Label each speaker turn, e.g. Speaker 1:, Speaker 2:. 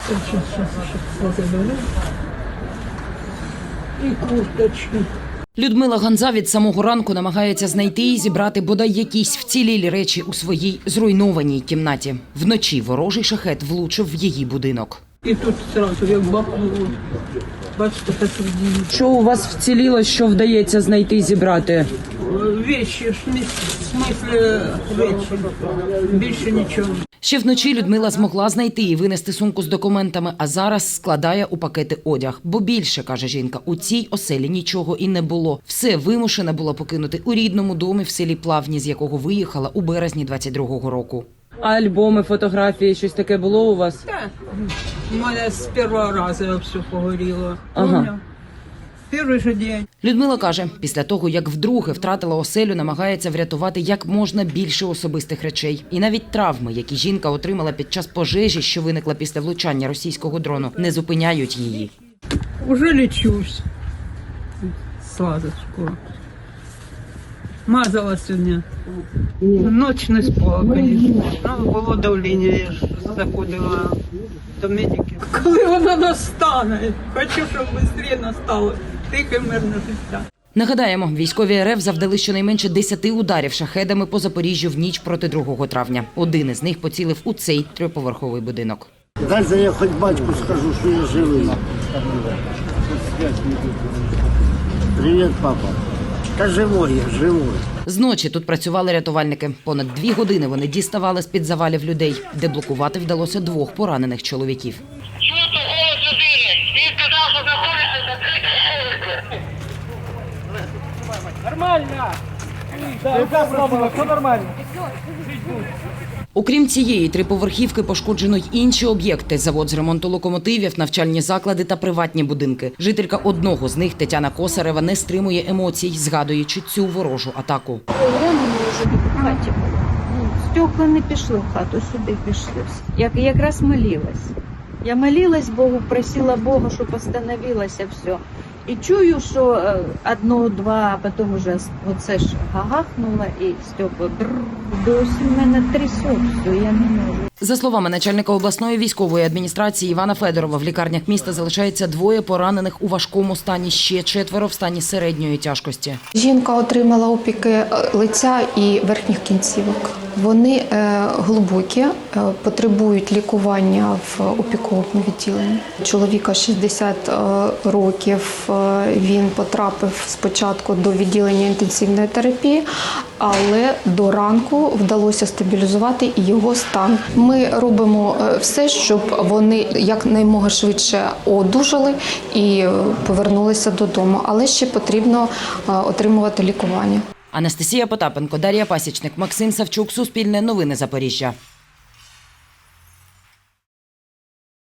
Speaker 1: І курточки.
Speaker 2: Людмила Ганза від самого ранку намагається знайти і зібрати бодай якісь вцілілі речі у своїй зруйнованій кімнаті. Вночі ворожий шахет влучив в її будинок.
Speaker 1: І тут одразу як бахнуло. Бачите, так видно.
Speaker 3: Що у вас вціліло, що вдається знайти і зібрати?
Speaker 1: Вещи, в смысле речі. Більше нічого.
Speaker 2: Ще вночі Людмила змогла знайти і винести сумку з документами, а зараз складає у пакети одяг. Бо більше, каже жінка, у цій оселі нічого і не було. Все вимушена була покинути у рідному домі в селі Плавні, з якого виїхала у березні 22-го року.
Speaker 3: А альбоми, фотографії, щось таке було у вас?
Speaker 1: Так, у мене з першого разу все погоріло.
Speaker 3: Ага.
Speaker 1: Перший же день.
Speaker 2: Людмила каже, після того, як вдруге втратила оселю, намагається врятувати як можна більше особистих речей. І навіть травми, які жінка отримала під час пожежі, що виникла після влучання російського дрону, не зупиняють її.
Speaker 1: Уже лечусь. Сладочку. Мазала сьогодні. Ночь не спала, звісно. Ну, було давлення, я ж заходила до медиків. Коли вона настане? Хочу, щоб швидше настало. Тихе, мирне життя.
Speaker 2: Нагадаємо, військові РФ завдали щонайменше 10 ударів шахедами по Запоріжжю в ніч проти 2 травня. Один із них поцілив у цей 3-поверховий будинок.
Speaker 4: Дальше я хоч батьку скажу, що я живий. Привіт, папа. Та живой я, живой.
Speaker 2: Зночі тут працювали рятувальники. Понад 2 години вони діставали з-під завалів людей. Деблокувати вдалося 2 поранених чоловіків.
Speaker 5: Чути голос людини. Він сказав, що знаходиться закриті вулиці.
Speaker 2: Окрім цієї 3-поверхівки пошкоджено й інші об'єкти – завод з ремонту локомотивів, навчальні заклади та приватні будинки. Жителька одного з них, Тетяна Косарева, не стримує емоцій, згадуючи цю ворожу атаку.
Speaker 6: Прямо може бути в хаті було. Стекла не пішли в хату, сюди пішли. Якраз молилась. Я молилась Богу, просила Бога, щоб остановилося все. І чую, що одно-два, а потім вже оце ж гагахнуло і стекла. Досі в мене трясуть все, я не можу.
Speaker 2: За словами начальника обласної військової адміністрації Івана Федорова, в лікарнях міста залишається 2 поранених у важкому стані, ще 4 в стані середньої тяжкості.
Speaker 7: Жінка отримала опіки лиця і верхніх кінцівок. Вони глибокі, потребують лікування в опіковому відділенні. Чоловіка 60 років, він потрапив спочатку до відділення інтенсивної терапії, але до ранку вдалося стабілізувати і його стан. Ми робимо все, щоб вони якнаймога швидше одужали і повернулися додому, але ще потрібно отримувати лікування.
Speaker 2: Анастасія Потапенко, Дар'я Пасічник, Максим Савчук, Суспільне новини Запоріжжя.